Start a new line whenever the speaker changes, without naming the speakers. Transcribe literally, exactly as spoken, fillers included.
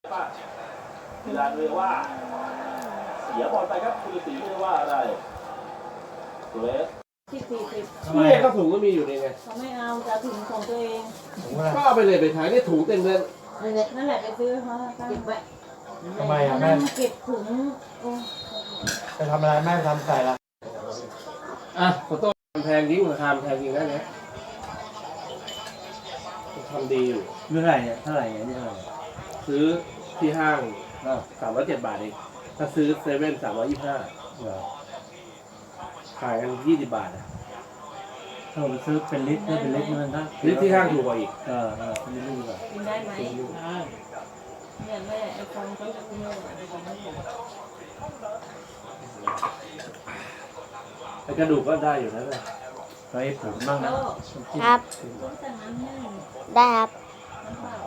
เวลาเรียกว่าเสียบอลไปครับคุณฤาษีเรียกว่าอะไรตัวเล็ก
ที่สี่สิบ
นี่ก็ถุงก็มีอยู่นี่ไง
เขาไม่เอาจะถุงของตัวเอง
ก็เอาไปเลยไปขายนี่ถุงเต็มเลย
นั่นแหละไปซื้อเขาเก็บไว้
ทำไมอ่ะแม่
เก็บถุง
ไปทำอะไรแม่ทำใส่ละ
อ่ะขอโทษแพงยิ่งราคาแพงจริงนะเนี่ยทำดีอยู่
เท่าไหร่เนี่ยเท่าไหร่เนี่ยนี่เท่าไหร่
ซื้อที่ห้างสามร้อยเจ็ดบาทเองถ้าซื้อเซเว่นสามร้อยยี่สิบห้าขายกันยี่สิบบาทอ่ะ
ถ้าเราไปซื้อเป็นลิตรเนี่ยเป็นลิตรมันนะ
ลิตรที่ห้างถูกกว่าอีก
เออเออเป็นลิตรดีกว่า
กินได้ไหมเนี่ยแม่ไอ้ฟองเขาจะกินไม่ได้ของไม่ถูก
ไอ้กระดูกก็ได้อยู่นะเลย
ไปผมบ้างนะครับ
ได้ครับ